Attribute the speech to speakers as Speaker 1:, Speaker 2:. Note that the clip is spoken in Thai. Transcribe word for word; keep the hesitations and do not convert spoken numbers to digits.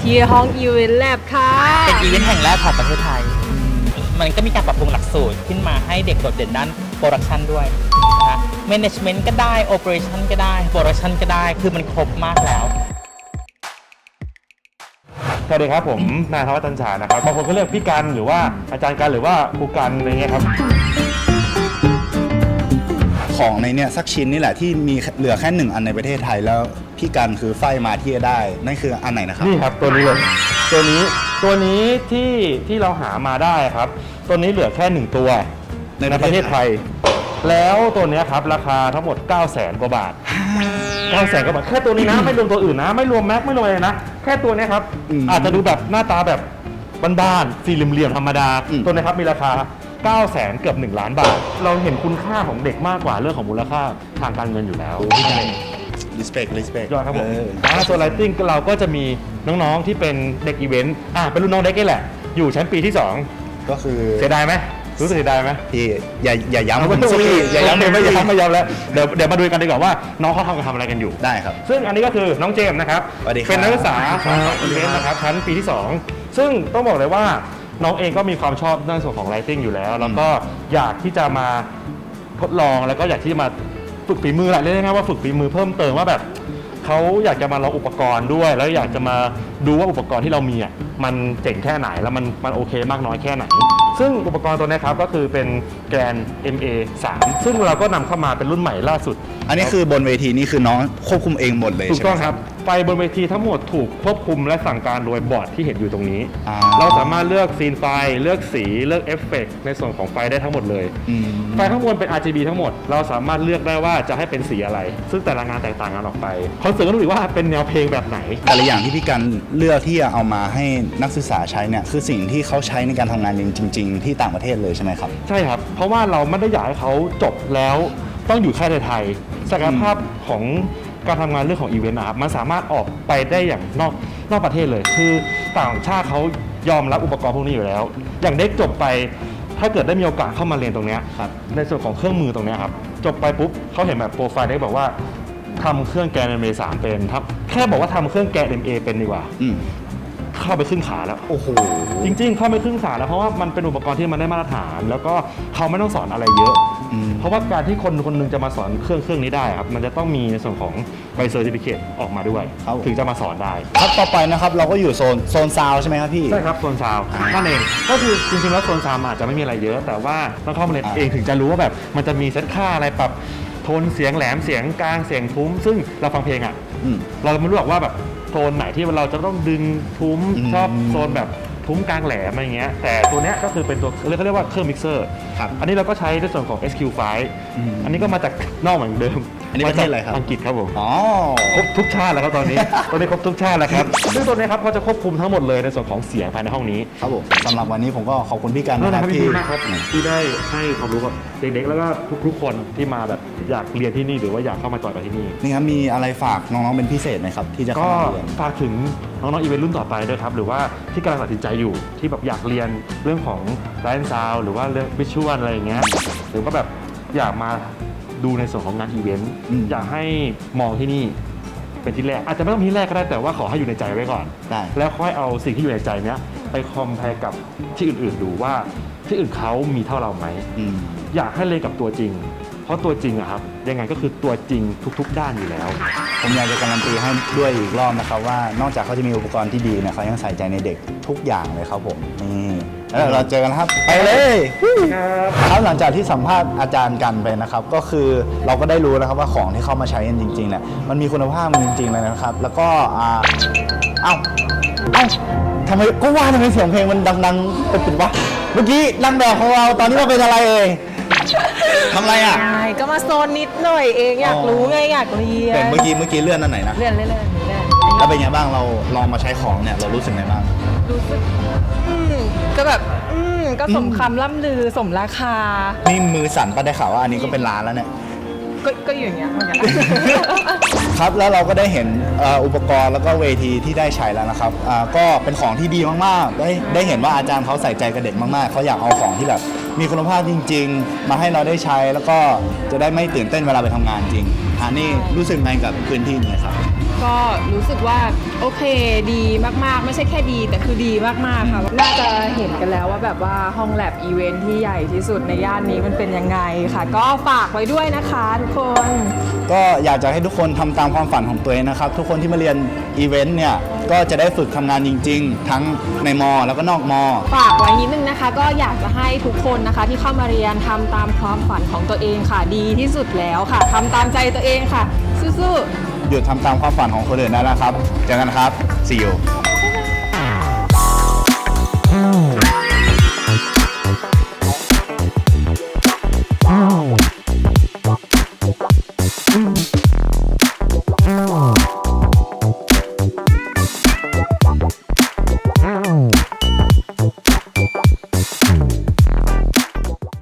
Speaker 1: ที่ห้องอีเวนต์แลบค่ะ
Speaker 2: เป็นอีเวนต์แห่งแรกของประเทศไทยมันก็มีการปรับปรุงหลักสูตรขึ้นมาให้เด็กโดดเด่นด้านโปรดักชันด้วยนะคะ Management ก็ได้ Operation ก็ได้ Production ก็ได้คือมันครบมากแล้ว
Speaker 3: สวัสดีครับผมนายธวัชจันฉายนะครับบางคนก็เรียกพี่กันหรือว่าอาจารย์กันหรือว่าครูกันอะไรเงี้ยครับ
Speaker 4: ของในเนี่ยสักชิ้นนี่แหละที่มีเหลือแค่หนึ่งอันในประเทศไทยแล้วพี่กันคือไฟมาที่จะได้นั่นคืออันไหนนะครับ
Speaker 3: นี่ครับตัวนี้เลยตัวนี้ตัวนี้ที่ที่เราหามาได้ครับตัวนี้เหลือแค่หนึ่งตัวในประเทศไทยแล้วตัวนี้ครับราคาทั้งหมด เก้าแสน กว่าบาทเก้าแสนกว่าบาทแค่ตัวนี้นะไม่รวมตัวอื่นนะไม่รวมแม็กไม่รวมอะไรนะแค่ตัวนี้ครับอาจจะดูแบบหน้าตาแบบบ้านๆสี่เหลี่ยมๆธรรมดาตัวนี้ครับมีราคาเก้าแสนเกือบหนึ่งล้านบาทเราเห็นคุณค่าของเด็กมากกว่าเรื่องของมูลค่าทางการเงินอยู่แล้วพี่เอง
Speaker 4: respect respect
Speaker 3: ยอดครับผมแล้วส่วนไลติ้งเราก็จะมีน้องๆที่เป็นเด็กอีเวนต์อ่ะเป็นรุ่นน้องเด็กนี่แหละอยู่ชั้นปีที่สอง
Speaker 4: ก็คือ
Speaker 3: เสียดายไหมรู้สึกเสียดายไหม
Speaker 4: พี่อย่าอย่าย้ำผมสิ
Speaker 3: อย่าย้ำไม่ย้ำไม่ย้ำแล้วเดี๋ยวเดี๋ยวมาดูกันดีกว่าว่าน้องเขาทำกันทำอะไรกันอยู่
Speaker 4: ได้ครับ
Speaker 3: ซึ่งอันนี้ก็คือน้องเจมส์นะครับเป็นนักศึกษาอีเวนต์นะครับชั้นปีที่สองซึ่งต้องบอกเลยว่าน้องเองก็มีความชอบในส่วนของไลติ้งอยู่แล้วแล้วก็อยากที่จะมาทดลองแล้วก็อยากที่จะมาฝึกฝีมือแหละเรียกง่ายๆว่าฝึกฝีมือเพิ่มเติมว่าแบบเขาอยากจะมาลองอุปกรณ์ด้วยแล้วอยากจะมาดูว่าอุปกรณ์ที่เรามีอ่ะมันเจ๋งแค่ไหนแล้วมันมันโอเคมากน้อยแค่ไหนซึ่งอุปกรณ์ตัวนี้ครับก็คือเป็นแกรน เอ็ม เอ สาม ซึ่งเราก็นำเข้ามาเป็นรุ่นใหม่ล่าสุด
Speaker 4: อันนี้คือบนเวทีนี่คือน้องควบคุมเองหมดเลย
Speaker 3: ถูกต้องครับไฟบนเวทีทั้งหมดถูกควบคุมและสั่งการโดยบอร์ดที่เห็นอยู่ตรงนี้เราสามารถเลือกซีนไฟเลือกสีเลือกเอฟเฟกต์ในส่วนของไฟได้ทั้งหมดเลยไฟข้างบนเป็น อาร์ จี บี ทั้งหมดเราสามารถเลือกได้ว่าจะให้เป็นสีอะไรซึ่งแต่ละงานแตกต่างกันออกไปคอนเสิร์ตก็รู้อีกว่าเป็นแนวเพลงแบบไหน
Speaker 4: แต่ละอย่างที่พี่กันเลือกที่จะเอามาให้นักศึกษาใช้เนี่ยคือสิ่งที่เขาใช้ในการทำงานจริงๆที่ต่างประเทศเลยใช่ไหมครับ
Speaker 3: ใช่ครับเพราะว่าเราไม่ได้อยากให้เขาจบแล้วต้องอยู่แค่ในไทยศักยภาพของการทำงานเรื่องของอีเวนต์นะครับมันสามารถออกไปได้อย่างนอกนอกประเทศเลยคือต่างชาติเขายอมรับอุปกรณ์พวกนี้อยู่แล้วอย่างเด็กจบไปถ้าเกิดได้มีโอกาสเข้ามาเรียนตรงนี้ในส่วนของเครื่องมือตรงนี้ครับจบไปปุ๊บเขาเห็นแบบโปรไฟล์ได้บอกว่าทำเครื่องแกน เอ็ม เอ สามเป็นครับแค่บอกว่าทำเครื่องแกน เอ็ม เอ เป็นดีกว่าเข้าไปครึ่งขาแล้ว
Speaker 4: โอ้โห
Speaker 3: จริงๆเข้าไปครึ่งขาแล้วเพราะว่ามันเป็นอุปกรณ์ที่มันได้มาตรฐานแล้วก็เขาไม่ต้องสอนอะไรเยอะเพราะว่าการที่คนคนนึงจะมาสอนเครื่องเครื่องนี้ได้ครับมันจะต้องมีในส่วนของใบเซอร์ติฟิเคตออกมาด้วยถึงจะมาสอนได้
Speaker 4: ครับต่อไปนะครับเราก็อยู่โซนโซนซาวใช่ไหมครับพี่
Speaker 3: ใช่ครับโซนซาวนั่นเองก็คือจริงๆแล้วโซนซาวอาจจะไม่มีอะไรเยอะแต่ว่าต้องเข้ามาเรียนเองถึงจะรู้ว่าแบบมันจะมีเซตค่าอะไรปรับโทนเสียงแหลมเสียงกลางเสียงทุ้มซึ่งเราฟังเพลงอ่ะเราไม่รู้หรอกว่าแบบโซนไหนที่เราจะต้องดึงทุ้มชอบโซนแบบทุ้มกลางแหลมอะไรเงี้ยแต่ตัวเนี้ยก็คือเป็นตัวเรียกเขาเรียกว่าเครื่องมิกเซอร์อันนี้เราก็ใช้ในส่วนของ เอส คิว ไฟว์ อันนี้ก็มาจากนอกเหมือนเดิม
Speaker 4: อันนี้ประเทศอะไรครับ
Speaker 3: อังกฤษครับผม
Speaker 4: อ๋อ
Speaker 3: ครบทุกชาติแล้วครับตอนนี้ตอนนี้ครบทุกชาติแล้วครับซึ่งตัวนี้ครับเขาจะควบคุมทั้งหมดเลยในส่วนของเสียงภายในห้องนี้
Speaker 4: ครับผมสำหรับวันนี้ผมก็ขอบคุณพี่กัน
Speaker 3: นะครับที่ที่ได้ให้ความรู้กับเด็กๆแล้วก็ทุกๆคนที่มาแบบอยากเรียนที่นี่หรือว่าอยากเข้ามาจอยกับที่นี่
Speaker 4: นี่ครับมีอะไรฝากน้องๆเป็นพิเศษไหมครับที่จะเข้ามาเรียน
Speaker 3: ฝากถึงน้องๆอีเวนต์รุ่นต่อไปด้วยครับหรือว่าที่กำลังตัดสินใจอยู่ที่แบบอยากเรียนเรื่องของไลฟ์ซาวด์หรือว่าเรื่องวิชวลอะไรอย่างเงี้ยหรือว่าแบบอยากมาดูในส่วนของงานอีเวนต์อยากให้มองที่นี่เป็นที่แรกอาจจะไม่ต้องที่แรกก็ได้แต่ว่าขอให้อยู่ในใจไว้ก่อนแล้วค่อยเอาสิ่งที่อยู่ในใจเนี้ยไปคอมเพลกับที่อื่นๆดูว่าที่อื่นเขามีเท่าเราไหมอยากให้เรียนกับตัวจริงเพราะตัวจริงอะครับยังไงก็คือตัวจริงทุกๆด้านอยู่แล้ว
Speaker 4: ผมอยากจะการันตีให้ด้วยอีกรอบนะครับว่านอกจากเขาจะมีอุปกรณ์ที่ดีนะเขายังใส่ใจในเด็กทุกอย่างเลยครับผมนี่แล้วเราเจอกันครับไปเลยครับหลังจากที่สัมภาษณ์อาจารย์กันไปนะครับก็คือเราก็ได้รู้นะครับว่าของที่เข้ามาใช้กันจริงๆเนี่ยมันมีคุณภาพจริงๆเลยนะครับแล้วก็อ่าเอ้าเอ้าทำไมก็ว่าทำไมเสียงเพลงมันดังๆเป็นๆวะเมื่อกี้นั่งแบบของเราตอนนี้มาเป็นอะไรเอ่ยทำอะไรอ่ะ
Speaker 1: ใช่ก็มาโซนนิดหน่อยเองอยากรู้ไงอยากเรียน
Speaker 4: แต่เมื่อกี้เมื่อกี้เลื่อนอันไหนนะ
Speaker 1: เลื่อนเลื่อนเลื่อน
Speaker 4: แล้วเป็นไงบ้างเราลองมาใช้ของเนี่ยเรารู้สึกไงบ้าง
Speaker 1: รู้สึกอืมก็แบบอืมก็สมคำล่ำลือสมราคา
Speaker 4: นี่มือสั่นปะได้ข่าวว่าอันนี้ก็เป็นร้านแล้วเนี่ย
Speaker 1: ก็ก็อยู่อย่างเงี้ยเหมือนกัน
Speaker 4: ครับแล้วเราก็ได้เห็นอุปกรณ์แล้วก็เวทีที่ได้ใช้แล้วนะครับก็เป็นของที่ดีมากๆได้ได้เห็นว่าอาจารย์เขาใส่ใจกับเด็กมากๆเขาอยากเอาของที่แบบมีคุณภาพจริงๆมาให้เราได้ใช้แล้วก็จะได้ไม่ตื่นเต้นเวลาไปทำงานจริงอันนี้รู้สึกไงกับพื้นที่นี้ครับ
Speaker 1: ก็รู้สึกว่าโอเคดีมากๆ ไม่ใช่แค่ดีแต่คือดีมากๆค่ะน่าจะเห็นกันแล้วว่าแบบว่าห้องแลบอีเวนท์ที่ใหญ่ที่สุดในย่านนี้มันเป็นยังไงค่ะ ก็ฝากไว้ด้วยนะคะทุกคน
Speaker 4: ก็อยากจะให้ทุกคนทำตามความฝันของตัวเองนะครับ ทุกคนที่มาเรียนอีเวนต์เนี่ยก็จะได้ฝึกทำงานจริง ๆ ทั้งในมอแล้วก็นอกมอ
Speaker 1: ฝากไว้นิดนึงนะคะ ก็อยากจะให้ทุกคนนะคะที่เข้ามาเรียนทำตามความฝันของตัวเองค่ะดีที่สุดแล้วค่ะทำตามใจตัวเองค่ะสู้ๆ
Speaker 4: หยุดทำตามความฝันของคนอื่นได้แล้วครับเจอกันครับ see you
Speaker 5: Oh.